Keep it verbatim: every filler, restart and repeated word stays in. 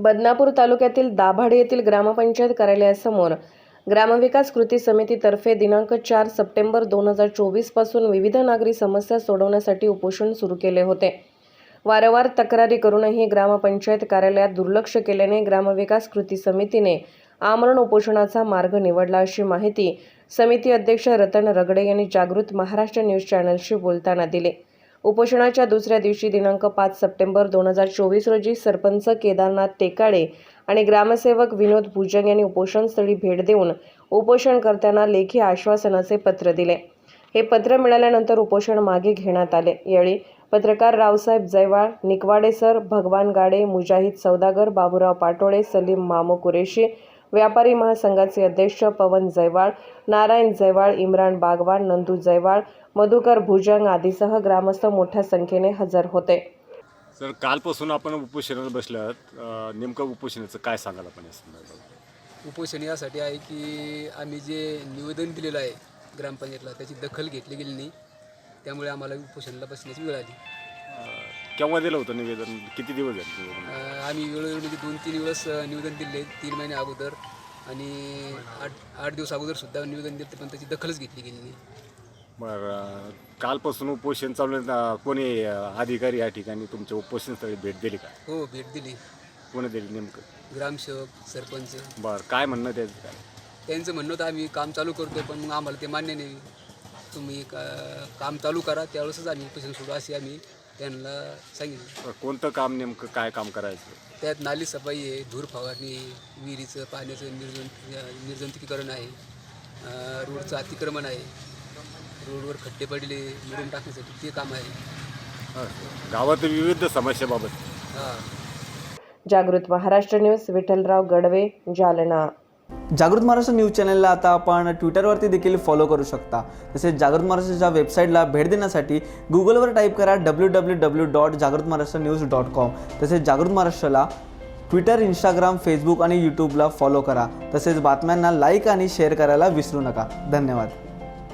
बदनापूर तालुक्यातील दाभाडे येथील ग्रामपंचायत कार्यालयासमोर ग्रामविकास कृती समितीतर्फे दिनांक चार सप्टेंबर दोन हजार चोवीस पासून विविध नागरी समस्या सोडवण्यासाठी उपोषण सुरू केले होते। वारंवार तक्रारी करूनही ग्रामपंचायत कार्यालयात दुर्लक्ष केल्याने ग्रामविकास कृती समितीने आमरण उपोषणाचा मार्ग निवडला, अशी माहिती समिती अध्यक्ष रतन रगडे यांनी जागृत महाराष्ट्र न्यूज चॅनलशी बोलताना दिली। उपोषणाच्या दुसऱ्या दिवशी दिनांक पाच सप्टेंबर दोन हजार चोवीस रोजी सरपंच केदारनाथ टेकाडे आणि ग्रामसेवक विनोद भुजंग यांनी उपोषणस्थळी भेट देऊन उपोषणकर्त्यांना लेखी आश्वासनाचे पत्र दिले। हे पत्र मिळाल्यानंतर उपोषण मागे घेण्यात आले। यावेळी पत्रकार रावसाहेब जयवाळ, निकवाडे सर, भगवान गाडे, मुजाहिद सौदागर, बाबूराव पाटोळे, सलीम मामू कुरेशी, व्यापारी महासंघाचे अध्यक्ष पवन जयवाळ, नारायण जयवाळ, इम्रान बागवान, नंदू जयवाळ, मधुकर भुजंग आदीसह ग्रामस्थ मोठ्या संख्येने हजर होते। सर, कालपासून आपण उपोषणाला बसले आहात, नेमकं उपोषणाचं काय सांगाल आपण या संदर्भात? उपोषण यासाठी आहे की आम्ही जे निवेदन दिलेलं आहे ग्रामपंचायतला त्याची दखल घेतली गेली नाही, त्यामुळे आम्हाला उपोषणाला बसण्याची वेळ आली। केव्हा दिलं होतं निवेदन? किती दिवस झाले निवेदन? आम्ही वेळोवेळी म्हणजे दोन तीन वेळेस निवेदन दिले, तीन महिने अगोदर आणि आठ आठ दिवस अगोदर सुद्धा निवेदन दिले, पण त्याची दखलच घेतली गेली नाही। बरं, कालपासून उपोषण चालू आहे, कोणी अधिकारी या ठिकाणी तुमच्या उपोषणस्थळी भेट दिली का? हो, भेट दिली। कोणी दिली नेमकं? ग्रामसेवक, सरपंच। बरं, काय म्हणणं त्याचं? काय त्यांचं म्हणणं होतं आम्ही काम चालू करतोय, पण मग आम्हाला ते मान्य नाही, तुम्ही का काम चालू करा त्यावेळेसच आम्ही उपोषण सोडू असे आम्ही त्यांना सांगितलं। कोणतं काम नेमकं काय काम करायचं? त्यात नाली सफाई आहे, धूर फवारणी, विहिरीचं पाण्याचं निर्जन निर्जंतुकीकरण आहे, रोडचं अतिक्रमण आहे, रोडवर खड्डे पडले मिळून टाकण्यासाठी ते काम आहे। गावात विविध समस्याबाबत हां। जागृत महाराष्ट्र न्यूज, विठ्ठलराव गडवे, जालना। जागृत महाराष्ट्र न्यूज चॅनलला आता आपण ट्विटरवरती देखील फॉलो करू शकता। तसेच जागृत महाराष्ट्राच्या वेबसाईटला भेट देण्यासाठी गुगलवर टाईप करा डब्ल्यू डब्ल्यू डब्ल्यू डॉट जागृत महाराष्ट्र न्यूज डॉट कॉम। तसेच जागृत महाराष्ट्राला ट्विटर, इंस्टाग्राम, फेसबुक आणि यूट्यूबला फॉलो करा। तसेच बातम्यांना लाईक आणि शेअर करायला विसरू नका। धन्यवाद।